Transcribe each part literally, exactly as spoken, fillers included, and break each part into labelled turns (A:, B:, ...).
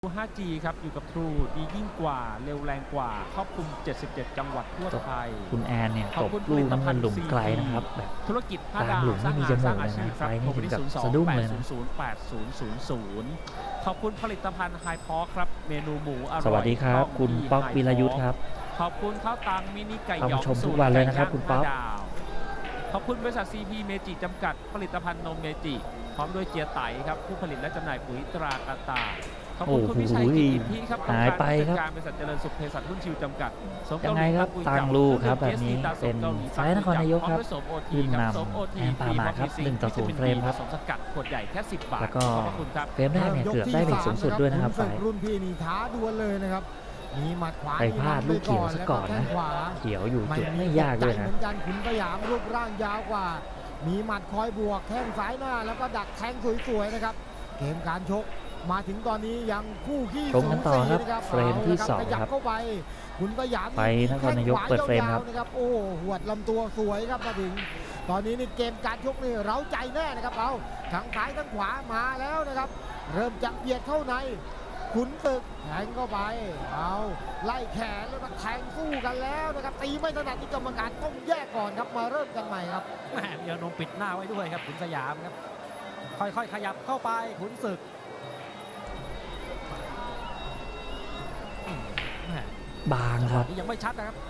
A: ห้า จี ครับอยู่กับ True ดียิ่งกว่าเร็วแรงกว่าครอบคลุมเจ็ดสิบเจ็ดจังหวัดทั่วไทย
B: คุณแอนเนี่ยตบลูกน้ำเงินหลุมไกลนะครับแบบ
A: ธุรกิจห้า
B: ตาม
A: ดาว
B: หลุมไม่มีจมูกเลยนะไฟนี่ถึงกับสะดุ้งเลยนะ
A: ขอบคุณผลิตภัณฑ์ไฮพอครับเมนูหมูอร่อย
B: สวัสดีครับคุณป๊อกวิรยุทธ์ครับ
A: ขอบคุณข้าวตังมินิไก่หยอง
B: ชมทุกวันเลยนะครับคุณป๊อก
A: ขอบคุณบริษัท ซี พี เมจิจำกัดผลิตภัณฑ์นมเมจิพร้อมด้วยเจียไตครับผู้ผลิตและจำหน่ายปุ๋ยตรากาตาขอบคุณคุณวิชัยกิจอิทธิครับ
B: หายไปครับ
A: การบริษัทเจริญสุขเภสัชหุ้นชิวจำกัด
B: ยังไงครับตังลูกครับแบบนี้เป็นไซส์นครนายกครับขึ้นนำแอนปามาครับหนึ่งต่อศูนย์เฟรมครับ
A: สกัดขวดใหญ่แค่สิบบาท
B: แล้วก็เฟรมแรกเนี่ยเกือบได้เลทสูงสุดด้วยนะครับไฟ
C: รุ่นพี่นี่ท้าดวลเลยนะครับมีหมัดขวา
B: ไปพลาดลูกเขียวซะก่อนนะเขียวอยู่จุดไม่ยากเลยนะ
C: เหมือนกันขุนสยามรูปร่างยาวกว่ามีหมัดคอยบวกแข้งซ้ายหน้าแล้วก็ดักแทงสวยๆนะครับเกมการชกมาถึงตอนนี้ยังคู่ขี้สูสี
B: นะครับเฟรมที่สองครับ
C: เข้าไปขุนสยาม
B: ไปนครนายกเปิดเฟรมครับ
C: โอ้หวดลำตัวสวยครับมาถึงตอนนี้นี่เกมการชกนี่เร้าใจแน่นะครับเอาทั้งซ้ายทั้งขวามาแล้วนะครับเริ่มจะเบียดเข้าในขุนศึกแทงเข้าไปเอาไล่แขนแล้วก็แทงสู้กันแล้วนะครับตีไม่ถนัดที่กรรมการต้องแยกก่อนครับมาเริ่มกันใหม่ครับ
A: แหมเดี๋ยวนมปิดหน้าไว้ด้วยครับขุนสยามครับค่อยๆขยับเข้าไปขุนศึก
B: บางครับ
A: ยังไม่ชัดนะครับ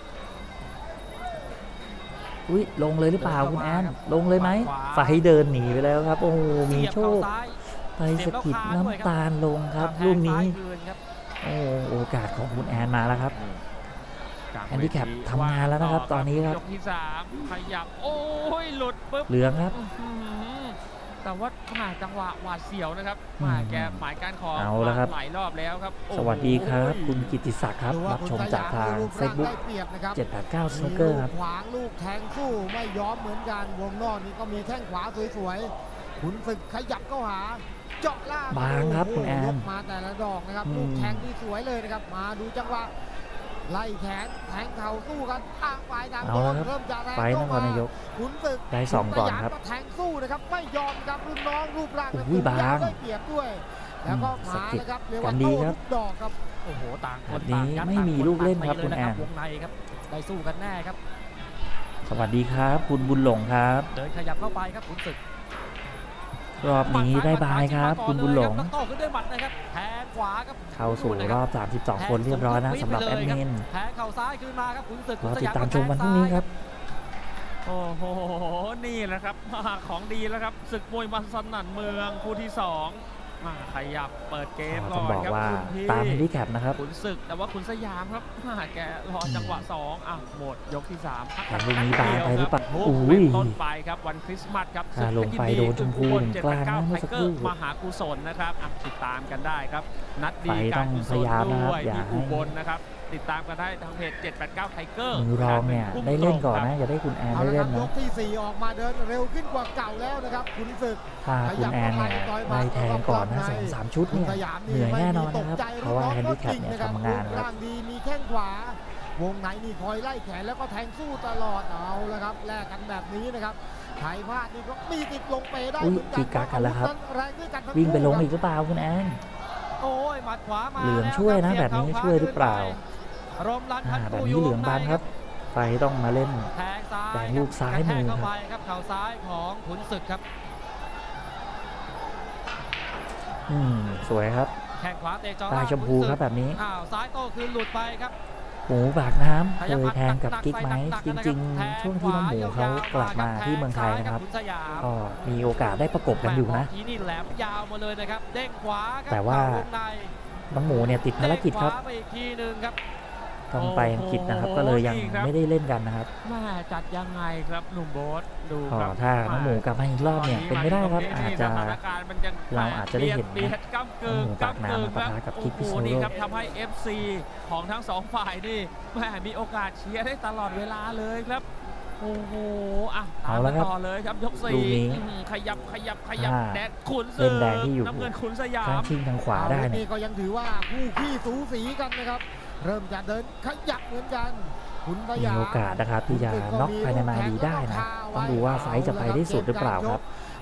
B: อุ้ยลงเลยหรือเปล่าคุณแอนลงเลยไหมไฟเดินหนีไปแล้วครับโอ้มีโชคไปสะกิดน้ำตาลลงครับลูกนี้โอ้โอกาสของคุณแอนมาแล้วครับแอนดี้แคปทำงานแล้วนะครับตอนนี้ครับ
A: ยกที่สามขยับโอ้ยหลุดปุ๊บ
B: เหลืองครับ
A: แต่ว่าหาจังหวะหวาดเสียวนะครับมาแกหมายการของ
B: เอาแล้วครับ
A: หลายรอบแล้วครับ
B: สวัสดีครับคุณกิติศักดิ์ครับรับชมจากทางเฟซบุ๊กเจ็ดแปดเก้าสนุกเกอร์ครับ
C: ขวางลูกแทงสู้ไม่ยอมเหมือนกันวงนอกนี้ก็มีแข้งขวาสวยๆขุนศึกขยับเข้าหาเจาะล่าง
B: บางครับคุณแอน
C: มาแต่ละดอกนะครับลูกแทงที่สวยเลยนะครับมาดูจังหวะไล่แขนแทงเข่าสู้กันอ้างฝ่ายต่างเริ่มจะแรงเข้ามาขุนศึก
B: ได้สองก่อนครับ
C: แทงสู้นะครับไม่ยอมครับรุ่นน้องรูปร่าง
B: นะคุณยาว
C: ได้เปรียบด้วยแล้วก็มานะครับเรียกว่า
B: โต้ทุก
C: ดอกครับ
A: โอ้โหต่างค
B: นต่างกันไม่มีลูกเล่นครับคุณแอน
A: วงในครับได้สู้กันแน่ครับ
B: สวัสดีครับคุณบุญหลงครับ
A: เดินขยับเข้าไปครับขุนศึก
B: รอบนี้ได้บายครับคุณบุญหลง
A: โต้ขึ้นด้วยหมัดนะครับแทงขวาครับ
B: เข้าสู่รอบสามสิบสองคนเรียบร้อยนะสำหรับแอดมิน
A: แทงเข่าซ้ายคืนมาครับขุนศึก
B: รอติดตามชมวันพรุ่งนี้ครับ
A: โอ้โหนี่แหละครับของดีแล้วครับศึกมวยมันสนั่นเมืองคู่ที่สองมาขยับเปิดเกมก่อน
B: ครับตามที่แคปนะครับ
A: ขุนศึกแต่ว่าขุนสยามครับแกรอจังหวะสองอ่ะหมดยกที่สามพักกัน
B: ลูกนี้บางไปหรือเปล่า
A: อุ้ยต้นไปครับวันคริสต์มาสครับ
B: ลงไปโดนชมพูกลางนะเมื่อสักครู่
A: มหากุศลนะครับติดตามกันได้ครับนัดดี
B: การกุศลด้วย
A: ที่อุบลนะครับติดตามกันได้ทางเพจเจ็ดแปดเก้าไทเกอร์
B: มือรองเนี่ยได้เล่นก่อนนะอย่าได้คุณแอนได้เล่นนะ
C: ยกที่สี่ออกมาเดินเร็วขึ้นกว่าเก่าแล้วนะครับขุนศึก
B: ถ้าคุณแอนเนี่ยได้แทงก่อนนะสองสามชุดเนี่ยเหนื่อยแน่นอนนะครับเพราะว่าแฮนดี้แคปเนี่ยทำงานครับ
C: ร่างดีมีแข้งขวาวงไหนนี่คอยไล่แขนแล้วก็แทงสู้ตลอดเอาละครับแลกกันแบบนี้นะครับไทยพลาดนี่ก็มีติดลงไปได้
B: เหมือนกันกักกันแล้วครับวิ่งไปลงอีกหรือเปล่าคุณแอน
A: โอ้ยหมัดขวามา
B: เหลืองช่วยนะแบบนี้ช่วยหรือเปล่าแบบนี้เหลืองบานครับไฟต้องมาเล่นแทงลูกซ้ายมือ
A: ครับเข่าซ้ายของขุนศึกครับ
B: อืมสวยครับ
A: แข้งขวาเตะจ่อ
B: ตาชมพูครับแบบนี้
A: อ้าวซ้ายโต้คืนหลุดไปครับ
B: หมูบากน้ำเคยแทงกับกิ๊กไหมจริงๆช่วงที่น้องหมูเขากลับมาที่เมืองไทยนะครับก็มีโอกาสได้ประกบกันอยู่นะแต่ว่าน้องหมูเนี่ยติดภารกิจครับต้องไปอังกฤษนะครับก็เลยยังไม่ได้เล่นกันนะครับ
A: มาจัดยังไงครับหนุ่มโบ๊ทดู
B: ครับถ้าน้องหมูกลับมาอีกรอบเนี่ยเป็นไม่ได้ครับอาจจะเราอาจจะได้เห็นหมูปากน้ำมาปะทะกับคิกพิโซโร่
A: ครับทำให้ เอฟ ซี ของทั้งสองฝ่ายนี่แม่มีโอกาสเชียร์ได้ตลอดเวลาเลยครับโอ้โหอ่ะตามมาต่อเลยครับยกสี่ขยับขยับขยับแดดขุนศึกน้ำเงินขุนสยาม
B: ทางชิงทางขวาได้
C: นี่ก็ยังถือว่าคู่ขี้สูสีกันนะครับเริ่มจะเดินขยับเหมือนกันขุนสยาม
B: มีโอกาสนะครับที่จะน็อกภายในมาดีได้นะต้องดูว่าไฟจะไปได้สุดหรือเปล่าครับ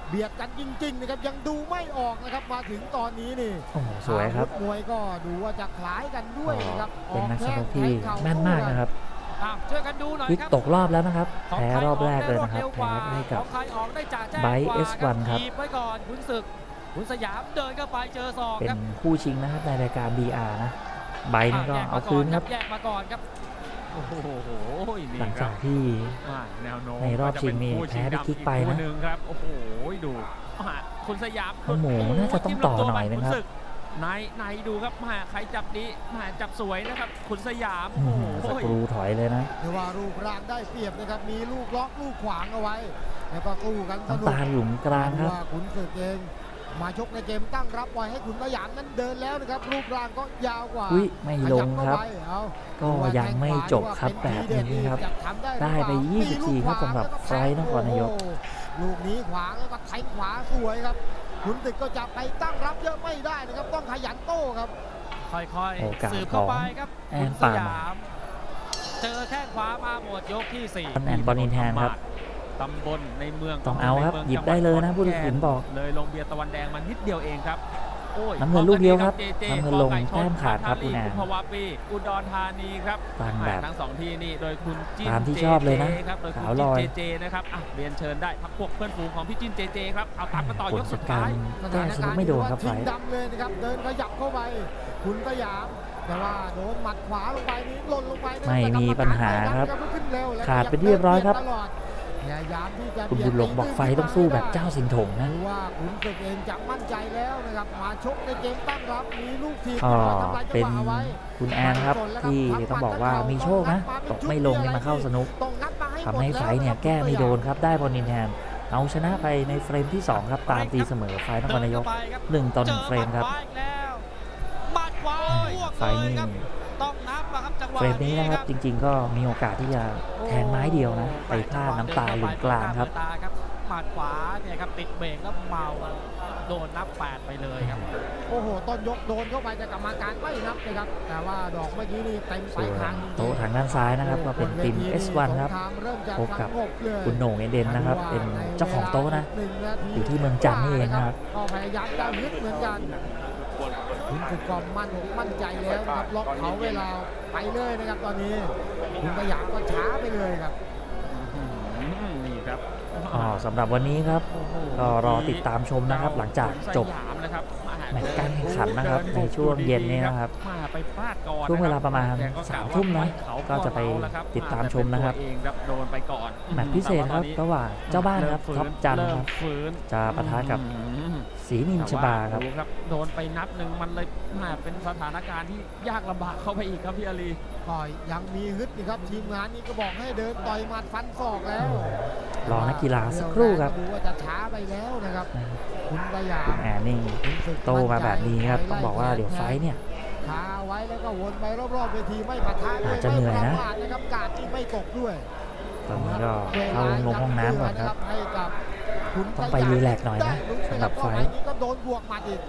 C: เบียดกันจริงๆนะครับยังดูไม่ออกนะครับมาถึงตอนนี้นี่
B: โอ้โหสวยครับ
C: อาธมวยก็ดูว่าจะคล้ายกันด้วยนะครับ
B: เป็นนักชกที่
C: ออกแข้ง
B: แม่นมากนะครับ
A: อ้าวช่วยกันดูหน่อย
B: วิก
A: ครับ
B: ตกรอบแล้วนะครับ
A: ของ
B: แพ้
A: ใค
B: รอบแรกเลย
A: อ
B: นะครับ
A: ได้วด
B: แพ้
A: ร็วกว่า
B: ให้กับ
A: ของใครออกได้จ่าแจ้ง
B: ไบรท์
A: กว่า
B: เอสวันครับ
A: ถีบไว้ก่อนขุนศึกขุนสยามเดินเข้าไปเจอศอก
B: เป็
A: ครั
B: น
A: บ
B: คู่ชิงนะครับในรายการ บี อาร์ นะไบรท์นี่ก็
A: แย
B: เอา
A: ม
B: คืนครับ
A: แยกมาก่อนครับโอ้โหนี่
B: หลัง
A: ครั
B: จา
A: บ
B: กที่
A: อ่าแนวโน้ม
B: ในรอบชิงนี่
A: ก็จะเป็น
B: แพ้พี่กิ๊กไปนะ
A: คู่หนึ่งครับโอ้โหดูอ่าคุณสยาม
B: โอ้โหน่าจะต้องต่อหน่อยนะครับ
A: ขุศึกในในดูครับมาใครจับดีมาจับสวยนะครับคุณสยาม
B: อื้
A: โอ้
B: อ
A: โห
B: หือสกรูถอยเลยนะ
C: เรียกว่ารูปร่างได้เปรียบนะครับมีลูกล็อกลูกขวางเอาไว้แล้วก็สู้กันสนุ
B: น้ำ
C: ก
B: ตาลหลุมกลางครับ
C: ว่าขุนศึกเองมาชกในเกมตั้งรับไว้ให้ขุนสยามนั้นเดินแล้วนะครับรูปร่างก็ยาวกว่า
B: อุ้ยไม่ลงครับ
C: ขยัเข้าไปเอา
B: ก็ยังไม่จบครับแบบนี้ครับ
C: จะทำได้หรือ
B: ได้
C: เปล่า
B: ไปยี่สิบสี่ครับสำหรับไฟท์นครนายก
C: โอ้โหลูกนี้ขวางแล้วก็แทงขวาสวยครับขุนศึกก็จะไปตั้งรับเยอะไม่ได้นะครับต้องขยันโต้ครับ
A: ค่อย
B: โอกาส
A: ๆสืบเข้าไปครับ
B: ของแอน
A: คุณส
B: ปาล์ม
A: ยาม เจอแข้งขวามาหมดยกที่สี่
B: แอนบอลอินแฮนครับ
A: ตำบลในเมือง
B: ต้องเอาครับ
A: ในมื
B: หยิบได้เลยนะ
A: จังหวัด
B: ผู้ตัดสินบอก
A: เลยลงเบียร์ตะวันแดงมานิดเดียวเองครับโอ้ย
B: น้ำเงินลูกเดียวครับ
A: จจ
B: น้ำเงินลง
A: กไก่ช
B: แต้มขาดครับ
A: ธานี
B: คุณแอน
A: กุมภาวะปีอุดรธานีครับ
B: ตั้งแบบ
A: ทั้งสองที่นี่โดยคุณจิ้น
B: ตามที่ชอบเลยนะ
A: จจครับโดยคุณ
B: ขาวล
A: จิ้น
B: อย
A: เจเจนะครับอ่ะเรียนเชิญได้พักพวกเพื่อนฝูงของพี่จิ้นเจเจครับเอาตามกันต่อยกสุดท้าย
B: แก้สนุกไม่โดนครับไฟ
C: ทิ้งดำเลยนะครับเดินขยับเข้าไปขุนสยามแต่ว่าโดนหมัดขวาลงไปนี่หล่นลงไปนะ
B: ไม่มีปัญหาครับ
C: แต่กรรมการไม่ขึ้นเร็วและ
B: ขาดเป็นเรียบร้อยครับ
C: ตลอดพยายามที่จะ
B: คุณบุญหลงบอกไฟต้องสู้แบบเจ้าสิงห์ถงนะ
C: ดูว่าขุนศึกเองจะมั่นใจแล้วนะครับมาชกในเกมตั้งรับมีลูกทีม
B: ก็
C: ที่มาทำลายจั
B: เป็
C: ง
B: น
C: หวะเอาไว้
B: คุณแอนครับที่ต้องบอกว่ามีโชคนะ ตกไม่ลงนี่มาเข้าสนุก
C: ต้องงัดมาให้
B: ทำให้ไฟท์เนี่ยแก้ไม่โดนครับได้บอลนินแฮนเอาชนะไปในเฟรมที่สองครับตามตีเสมอไฟท์นครนายกหนึ่งต่อหนึ่งเฟรมครับ
A: จอหมัดขวาอีกแล้วหมัดขวาอ้วก
B: ไฟ
A: เล
B: ท์
A: ย
B: นี่
A: ครับต้องนับอะครับจังหวะ
B: เฟรมนี้นะครับ
A: ค
B: จ
A: รับ
B: ริง ๆ ก็มีโอกาสที่จะแทงไม้เดียวนะ ไปพลาดน้ำตาหลุมกลางครับ
A: ตาครับหมัดขวาเนี่ยครับติดเบรกแล้วเมาครับโดนนับแปดไปเลยครับ
C: โอ้โหต้นยกโดนเข้าไปแต่กรรมการไม่นับนะครับแต่ว่าดอกเมื่อกี้นี่เต็ม
B: ส่
C: สา
B: วย น
C: ทางจริงๆ
B: โต๊ะทางด้านซ้ายนะครับก็เป็นทีม เอส วัน ครับ
C: สงคามเริ่มจะ
B: พบกับ
C: สงเลย
B: คุณโหน่งเอเดนนะครับ เป็นเจ้าของโต๊ะนะ
C: หงนาที
B: อยู่ที่เมืองจันทร์นี่เองนะครับ
C: ก็พยายามจะยึดเหมือนกันคุณคือกอมมั่นอกมั่นใจแล้วนะครับล็อกเขาเวลาไปเลยนะครับตอนนี้คุณสยามก็ช้าไปเลยครับ
A: อืมนี่ครับ
B: อ๋อสำหรับวันนี้ครับ ก็รอติดตามชมนะครับหลังจากจบ
A: สยามนะครับ
B: แมตช์การแข่งขันนะครับในช่วงเย็นนี้นะครับ
A: มาไปพลาดก่อน
B: ช่วงเวลาประมาณ
A: แต่ก็ก
B: สาม
A: ว่
B: ทุ่มนะ
A: เขา
B: ก็จะไป
A: เมาแล้วครับ
B: ติดตามชมนะครับ
A: แต่เป็นตัวเองครับโดนไปก่อน
B: แมตช์พิเศษครับระหว่างเจ้าบ้านครับ
A: เม
B: ท็อปจันทร์
A: เริ่
B: ค
A: ม
B: รับ
A: ฟื้น
B: จะปะทะกับ
A: อืม
B: ศรีนินชบาครับ
A: แต่ว่ดูครับโดนไปนัดหนึ่งมันเลยมาเป็นสถานการณ์ที่ยากลำบากเข้าไปอีกครับพี่อาลี
C: ก็ยังมีฮึดนี่ครับทีมงานนี้ก็บอกให้เดินต่อยหมัดฟันศอกแล้ว
B: รอนักกีฬาสักครู่ครับ
C: ดูว่าจะช้าไปแล้วนะครับคุณสยา
B: คุ
C: ม
B: ณแอนนี่
C: ขุนศึก
B: โตมาแบบนี้ครับต้องบอกว่าเดี๋ยวไฟท์เนี่ย
C: คาไว้แล้วก็วนไปรอบๆเวทีไม่ปะทะด้วย
B: อาจจะเหนื่อยนะ
C: ไม่ประมาทนะครับกาดที่ไม่ตกด้วย
B: ตอนนี้ก็เข้าลงห้องน้ำก่อนครับ
C: ให้กับคุณ
B: ต้องไปรีแลกซ์หน่อยนะ
C: ได้ลุ้
B: สำหรับไฟท์
C: เข้าปนี้ก็โดนบวกหมัดอีก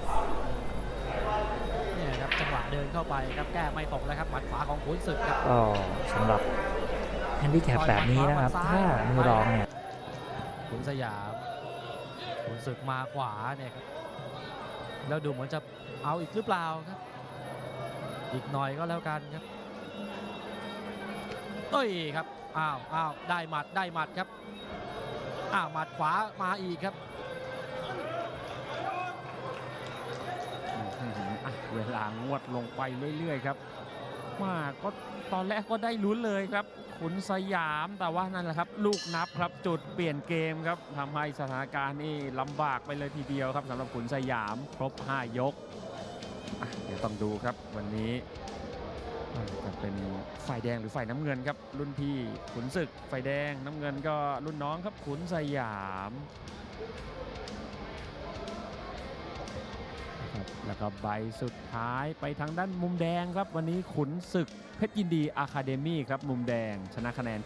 A: เนี่ยครับจังหวะเดินเข้าไปครับแก้ไม่ตกแล้วครับหมัดขวาของขุนศึกครับ
B: ก็สำหรับแฮนดิแคปแบบนี้นะครับ ถ้ามือรองเนี่ย
A: ขุนสยามขุนศึกมาขวาเนี่ยครับแล้วดูเหมือนจะเอาอีกหรือเปล่าครับ อีกหน่อยก็แล้วกันครับเอ้ยครับอ้าวอ้าวได้หมัดได้หมัดครับอ้าวหมัดขวามาอีกครับอื้อหืออ่ะเวลางวดลงไปเรื่อยๆครับมาก็ตอนแรกก็ได้ลุ้นเลยครับขุนสยามแต่ว่านั่นแหละครับลูกนับครับจุดเปลี่ยนเกมครับทำให้สถานการณ์นี่ลำบากไปเลยทีเดียวครับสำหรับขุนสยามครบห้ายกอ่ะเดี๋ยวต้องดูครับวันนี้อ่าจะเป็นฝ่ายแดงหรือฝ่ายน้ำเงินครับรุ่นพี่ขุนศึกฝ่ายแดงน้ำเงินก็รุ่นน้องครับขุนสยามนะครับแล้วก็ใบสุดท้ายไปทางด้านมุมแดงครับวันนี้ขุนศึกเพชรยินดีอะคาเดมี่ครับมุมแดงชนะคะแนน